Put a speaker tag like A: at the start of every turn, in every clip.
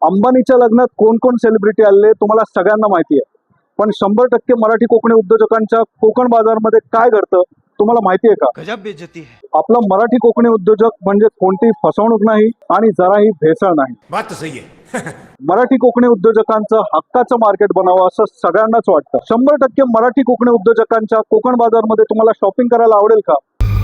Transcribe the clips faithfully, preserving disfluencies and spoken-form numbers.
A: अंबानीच्या लग्नात कोण कोण सेलिब्रिटी आले तुम्हाला सगळ्यांना माहिती आहे, पण शंभर टक्के मराठी कोकणी उद्योजकांच्या कोकण बाजारमध्ये काय घडतं तुम्हाला माहिती आहे का?
B: गजब बेइज्जती है।
A: आपला मराठी कोकणी उद्योजक म्हणजे कोणती फसवणूक नाही आणि जराही भेसळ नाही।
B: बात तो सही है।
A: मराठी कोकणी उद्योजकांचं हक्काचं मार्केट बनावं असं सगळ्यांनाच वाटतं। शंभर टक्के मराठी कोकणी उद्योजकांच्या कोकण बाजारमध्ये तुम्हाला शॉपिंग करायला आवडेल का?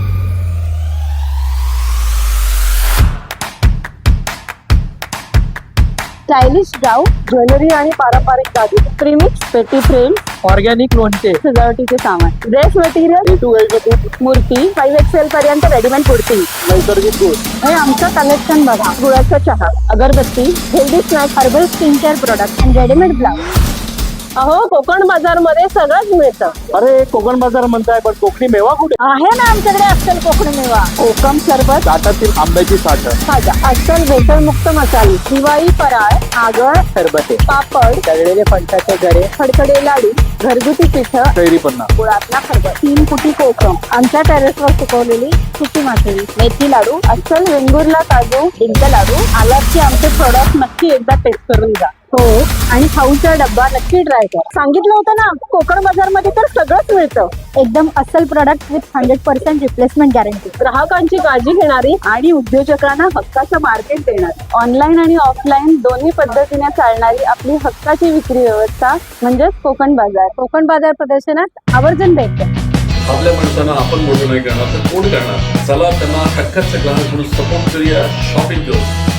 C: स्टायलिश गाऊन, ज्वेलरी आणि पारंपरिक दागिने, प्रीमिक्स, पेटी फ्रेम,
D: ऑर्गॅनिक लोणचे,
C: सजावटीचे सामान, dress material,
A: A to Z
C: मूर्ती, फाईव्ह एक्सेल पर्यंत रेडीमेड कुर्ती।
A: नैसर्गिक गुळ,
C: हे आमचं कलेक्शन बघा। गुळाचा चहा, अगरबत्ती, healthy snack, herbal skin care product आणि रेडीमेड ब्लाउज। अहो, कोकण बाजार मध्ये सगळंच मिळतं।
A: अरे कोकण बाजार म्हणताय, पण कोकणी मेवा कुठे
C: आहे ना आमच्याकडे अस्सल कोकणी मेवा, कोकम सरबत,
A: ताटातील आंब्याची साठ,
C: खाजा, अस्सल भेसळमुक्त मसाले, दिवाळी फराळ, आगळ,
D: सरबते,
C: पापड,
D: तळलेले फणसाचे गरे,
C: खडखडे लाडू, घरगुती पिठं,
A: कैरी पन्ना,
C: गुळातला खरबत, तीन कुटी कोकम, आमच्या टेरेसवर सुकवलेली सुकी मासळी, मेथी लाडू, अस्सल वेंगुर्ला काजू, डिंक लाडू। आलात की आमचे प्रोडक्ट नक्की एकदा टेस्ट करून जा। हो, आणि खाऊचा डब्बा नक्की ट्राय करा। सांगितलं होतं ना, कोकण बाजार मध्ये तर सगळंच मिळतं। एकदम अस्सल product with hundred percent replacement guarantee, ग्राहकांची काळजी घेणारी आणि उद्योजकांना हक्काचं मार्केट देणारी, ऑनलाईन आणि ऑफलाईन दोन्ही पद्धतीने चालणारी आपली हक्काची विक्री व्यवस्था म्हणजेच कोकण बाजार। कोकण बाजार प्रदर्शनात आवर्जून भेट द्या।
E: आपल्या माणसांना आपण मोठं नाही करणार तर कोण करणार? चला त्यांना हक्काचं ग्राहक म्हणून सपोर्ट करूया, शॉपिंग करू।